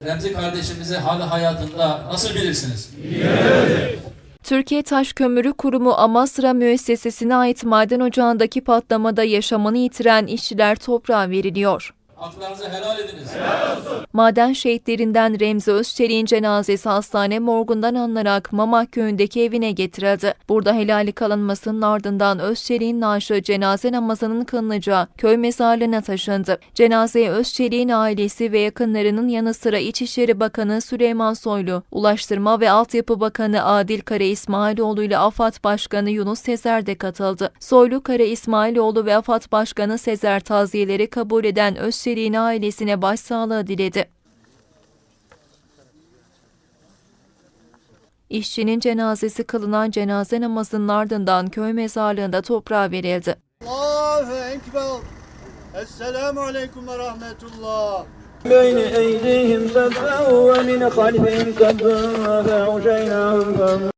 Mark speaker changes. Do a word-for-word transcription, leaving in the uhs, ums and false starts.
Speaker 1: Remzi kardeşimizi hali hayatında nasıl bilirsiniz?
Speaker 2: Evet.
Speaker 3: Türkiye Taş Kömürü Kurumu Amasra müessesesine ait maden ocağındaki patlamada yaşamını yitiren işçiler toprağa veriliyor.
Speaker 1: Haklarınızı helal ediniz.
Speaker 2: Helal olsun.
Speaker 3: Maden şehitlerinden Remzi Özçelik'in cenazesi hastane morgundan alınarak Mamak köyündeki evine getirildi. Burada helali kalınmasının ardından Özçelik'in naaşı cenaze namazının kılınacağı köy mezarlığına taşındı. Cenazeye Özçelik'in ailesi ve yakınlarının yanı sıra İçişleri Bakanı Süleyman Soylu, Ulaştırma ve Altyapı Bakanı Adil Kara İsmailoğlu ile AFAD Başkanı Yunus Sezer de katıldı. Soylu, Kara İsmailoğlu ve AFAD Başkanı Sezer taziyeleri kabul eden Özçelik'in ailesine başsağlığı diledi. İşçinin cenazesi kılınan cenaze namazının ardından köy mezarlığında toprağa verildi.
Speaker 4: Allahu Ekber. Esselamu Aleyküm ve Rahmetullah.
Speaker 5: بين أيديهم سبعا ومن خلفهم سبعا فأغشيناهم